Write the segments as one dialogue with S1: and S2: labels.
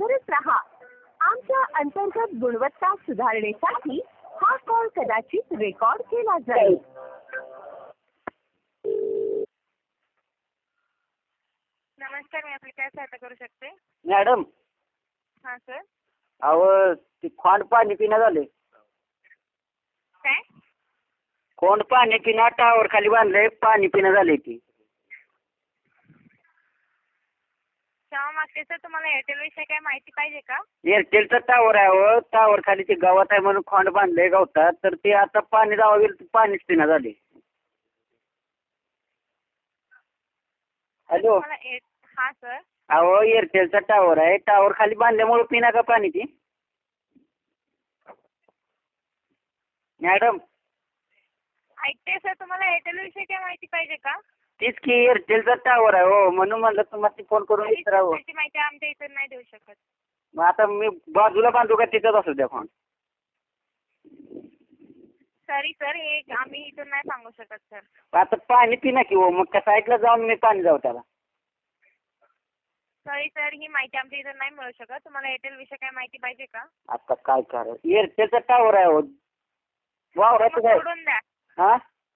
S1: सादरच राहा. आमच्या अंतर्गत गुणवत्ता सुधारणेसाठी हा कॉल कदाचित रेकॉर्ड केला जाईल.
S2: नमस्कार, मी आपली काय सहायता करू शकते?
S3: मॅडम,
S2: हां सर.
S3: अहो ती खोंड पाणी पिणं झाले.
S2: काय?
S3: खोंड पाणी पिणं टावर खाली बांधलंय, पाणी पिणं झाले ती.
S2: क्षमा मागते सर, तुम्हाला एअरटेल विषयी काय माहिती पाहिजे का?
S3: एअरटेलचा टावर आहे. हो, टावर खाली ते गावात आहे म्हणून खोंड बांधलंय गवतात, तर ते आता पाणी जावं गेलं तर पाणीच पिणं झाले. हॅलो,
S2: हां सर.
S3: अहो एअरटेलचा टावर आहे, टावर खाली बांधल्यामुळे पिना का पाणी ती मॅडम?
S2: ऐकते सर, तुम्हाला एअरटेल विषयी काय माहिती पाहिजे का?
S3: तीच की एअरटेलचा टावर आहे. हो, म्हणून म्हणलं तुम्हाला फोन करून विचारावं.
S2: त्याची माहिती आमच्या इथून नाही देऊ शकत.
S3: मग आता मी बाजूला बांधू का तिथंच असू द्या फोन?
S2: सॉरी सर, हे आम्ही इथून नाही सांगू शकत सर.
S3: आता पाणी पिना की हो, मग त्या साईडला जाऊन मी पाणी जाऊ त्याला.
S2: सॉरी सर, ही माहिती आमच्या इथून नाही मिळू शकत. तुम्हाला एअरटेल विषयी काय माहिती पाहिजे का?
S3: आता काय करायचं, एअरटेलचा टावर आहे. हो, वावराचं काय?
S2: सोडून द्या.
S3: हा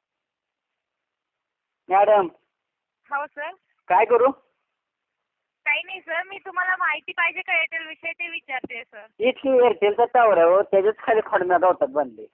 S3: मॅडम,
S2: हो सर.
S3: काय करू?
S2: काही नाही सर, मी तुम्हाला माहिती पाहिजे का एअरटेल विषयी ते विचारते सर.
S3: इतकी एअरटेलचा टावर आहे. हो, त्याच्याच खाली खडम्या गावतात बांधले.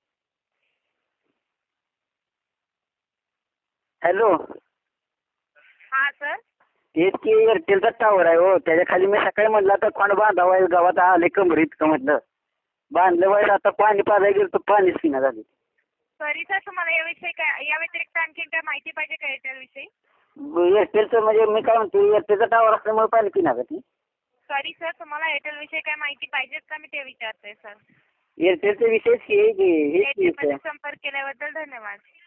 S3: हॅलो,
S2: हां सर.
S3: इतकी एअरटेलचा टावर आहे. हो, त्याच्या खाली मी सकाळी म्हटलं आता खोंड बांधावा, गावात आले कमर इतकं म्हटलं बांधलं वाईट. आता पाणी पाजायला गेलं तर पाणीच पिणं झाले.
S2: सॉरी सर, तुम्हाला याविषयी काय, या व्यतिरिक्त आणखी काय माहिती पाहिजे का एअरटेल विषयी?
S3: एअरटेलचं म्हणजे मी काय म्हणतो, एअरटेलचा टावर असल्यामुळे पाणी पिणार का ती?
S2: सॉरी सर, तुम्हाला एअरटेल विषयी काय माहिती पाहिजेत का, मी ते विचारते सर.
S3: एअरटेलचा विषयच हे
S2: एअरटेलमध्ये संपर्क केल्याबद्दल धन्यवाद.